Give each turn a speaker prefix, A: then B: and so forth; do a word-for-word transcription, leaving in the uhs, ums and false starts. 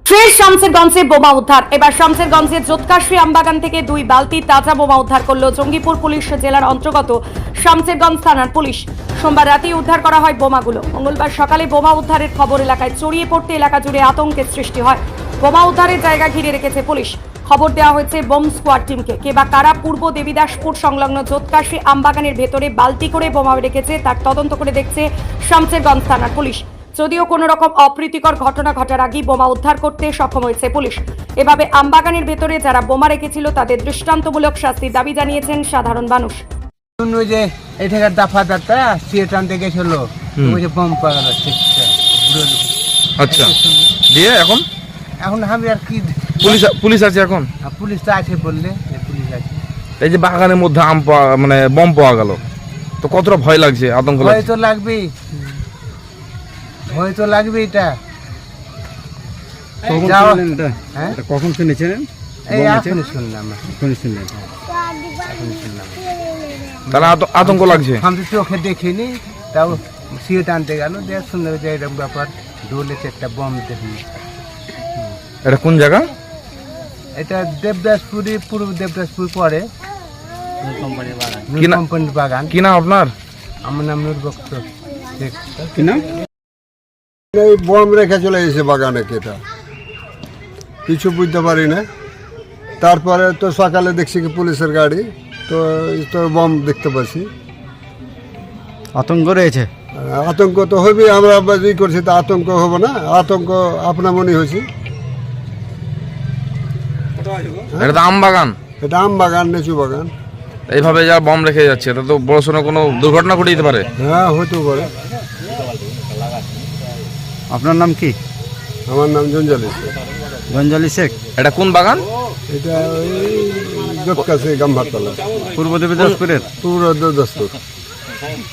A: Fresh শামসেরগঞ্জে বোমা উদ্ধার। এবার শামসেরগঞ্জের জোৎকাশ্রী আমবাগান থেকে দুই বালতি তাজা বোমা উদ্ধার করল জঙ্গিপুর পুলিশ জেলার অন্তর্গত শামসেরগঞ্জ থানার পুলিশ। সোমবার রাতেই উদ্ধার করা হয় বোমাগুলো। মঙ্গলবার সকালে বোমা উদ্ধারের খবর এলাকায় ছড়িয়ে পড়তে এলাকা জুড়ে আতঙ্কের সৃষ্টি হয়। বোমা উদ্ধারের জায়গা ঘিরে রেখেছে পুলিশ। খবর দেওয়া হয়েছে বোম স্কোয়াড টিমকে। কে বা কারা পূর্ব দেবীদাসপুর সংলগ্ন জোৎকাশ্রী আমবাগানের ভেতরে বালতি করে বোমা রেখেছে তার তদন্ত করে দেখছে শামসেরগঞ্জ থানার পুলিশ। যদিও কোনো রকম অপ্রীতিকর ঘটনা ঘটার আগেই বোমা উদ্ধার করতে সক্ষম হয়েছে পুলিশ। এভাবে আমবাগানের ভেতরে যারা বোমা রেখেছিল তাদের দৃষ্টান্তমূলক শাস্তির দাবি জানিয়েছেন সাধারণ মানুষ।
B: যে এটাকার দাফা দাতা সিএট আনতে গেছিল, ওই যে বোম পাওয়া যাচ্ছে।
C: আচ্ছা, দিয়ে এখন
B: এখন আমি আর কি,
C: পুলিশ পুলিশ আছে এখন,
B: পুলিশ তো আছে বললে, পুলিশ আছে।
C: এই যে বাগানের মধ্যে আম পাওয়া মানে বম পাওয়া গেল, তো কতটা ভয় লাগছে, আতঙ্ক
B: ভয়
C: লাগছে?
B: তো লাগবেই, ভয় তো লাগবে। এটা
D: কখন
B: যাও-
D: শুনলেন এটা?
B: হ্যাঁ?
D: এটা কখন শুনেছেন?
B: এই
D: বোম আছে?
B: এখনই শুনলাম,
D: এখনই শুনলেন?
B: এখনই শুনলাম।
C: তাহলে আত- আতঙ্ক লাগছে।
B: আমি তো চোখে দেখিনি, তাও সিএট আনতে গেল, দেখ শুনলে যে এরকম ব্যাপার, ডোলেছে একটা বোম দেখি।
C: এটা কোন জায়গা?
B: এটা দেবদাসপুরি, পূর্ব দেবদাসপুর পরে
C: কি না-
B: কোম্পানির বাগান।
C: কি নাম আপনার?
B: আমার নাম নূর বক্ত শেখ।
D: কি নাম?
E: এই বম রেখে চলে গেছে বাগানে, কেটা কিছু বুঝতে পারি না। তারপরে তো সকালে দেখছি কি পুলিশের গাড়ি, তো এই তো বম দেখতে পাচ্ছি।
D: আতঙ্ক রয়েছে।
E: আতঙ্ক তো হবে, আমরা ই করছি, তো আতঙ্ক হবে না? আতঙ্ক আপনা মনে হয়েছি।
C: এটা তো আম বাগান,
E: এটা আম বাগান, লিচু বাগান।
C: এইভাবে যা বম রেখে যাচ্ছে, এটা তো বড় সড়ো কোনো দুর্ঘটনা ঘটে যেতে পারে।
E: হ্যাঁ, হতে পারে।
D: আপনার নাম কি?
E: আমার নাম জঞ্জালি শেখ।
D: গঞ্জালি শেখ।
C: এটা কোন বাগান?
E: এটা ওই জোৎকাশ্রী গাম্ভারতলা,
D: পূর্ব দেবীদাসপুরের।
E: পূর্ব দস্তুর।